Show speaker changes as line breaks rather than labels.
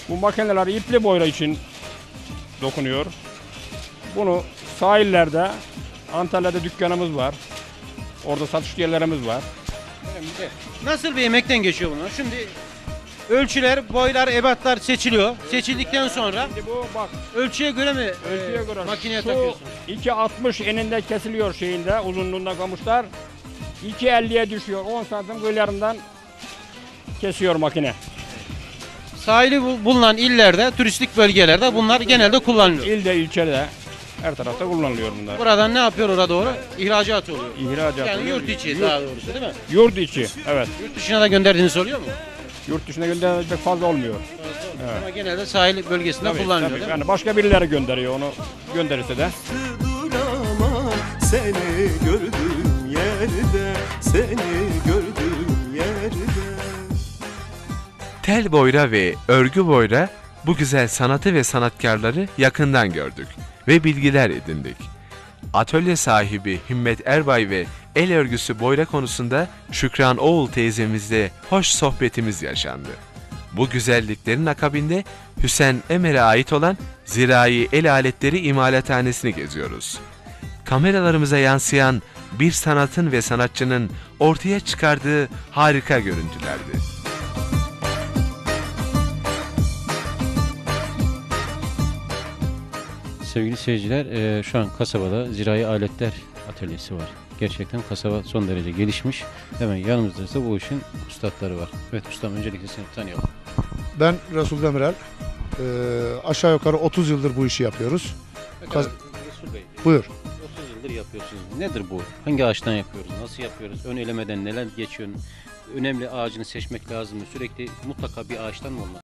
Bu makineler ipli boyra için dokunuyor. Bunu sahillerde, Antalya'da dükkanımız var. Orada satış yerlerimiz var.
Nasıl bir emekten geçiyor bunlar? Şimdi ölçüler, boylar, ebatlar seçiliyor. Seçildikten sonra
Şimdi bu bak,
ölçüye göre mi
ölçüye göre
makineye
şu
takıyorsun?
2.60 eninde kesiliyor şeyinde, uzunluğunda kamışlar. 2.50'ye düşüyor. 10 santim kıyılarından kesiyor makine.
Sahili bulunan illerde, turistik bölgelerde bunlar genelde kullanılıyor.
İlde, ilçede, her tarafta kullanılıyor bunlar.
Buradan ne yapıyor oraya doğru? İhracat oluyor.
İhracat.
Yani yurt içi daha doğrusu değil mi?
Yurt içi, evet.
Yurt dışına da gönderdiğiniz oluyor mu?
Yurt dışına göndermek fazla olmuyor. Evet.
Ama genelde sahil bölgesinde
Tabii,
kullanılıyor
tabii.
değil mi?
Yani başka birileri gönderiyor, onu gönderirse de.
Duramam seni gördüğüm yerde, seni gördüğüm yerde.
Tel boyra ve örgü boyra bu güzel sanatı ve sanatkarları yakından gördük ve bilgiler edindik. Atölye sahibi Himmet Erbay ve el örgüsü boyra konusunda Şükran Oğul teyzemizle hoş sohbetimiz yaşandı. Bu güzelliklerin akabinde Hüseyin Emer'e ait olan Zirai El Aletleri İmalathanesini geziyoruz. Kameralarımıza yansıyan bir sanatın ve sanatçının ortaya çıkardığı harika görüntülerdi.
Sevgili seyirciler, şu an kasabada zirai aletler atölyesi var. Gerçekten kasaba son derece gelişmiş. Hemen yanımızda ise bu işin ustaları var. Evet ustam, öncelikle seni tanıyalım.
Ben Resul Demirel. Aşağı yukarı 30 yıldır bu işi yapıyoruz.
Resul Bey,
Buyur.
30 yıldır yapıyorsunuz. Nedir bu? Hangi ağaçtan yapıyoruz? Nasıl yapıyoruz? Ön elemeden neler geçiyor? Önemli ağacını seçmek lazım mı? Sürekli mutlaka bir ağaçtan mı olmak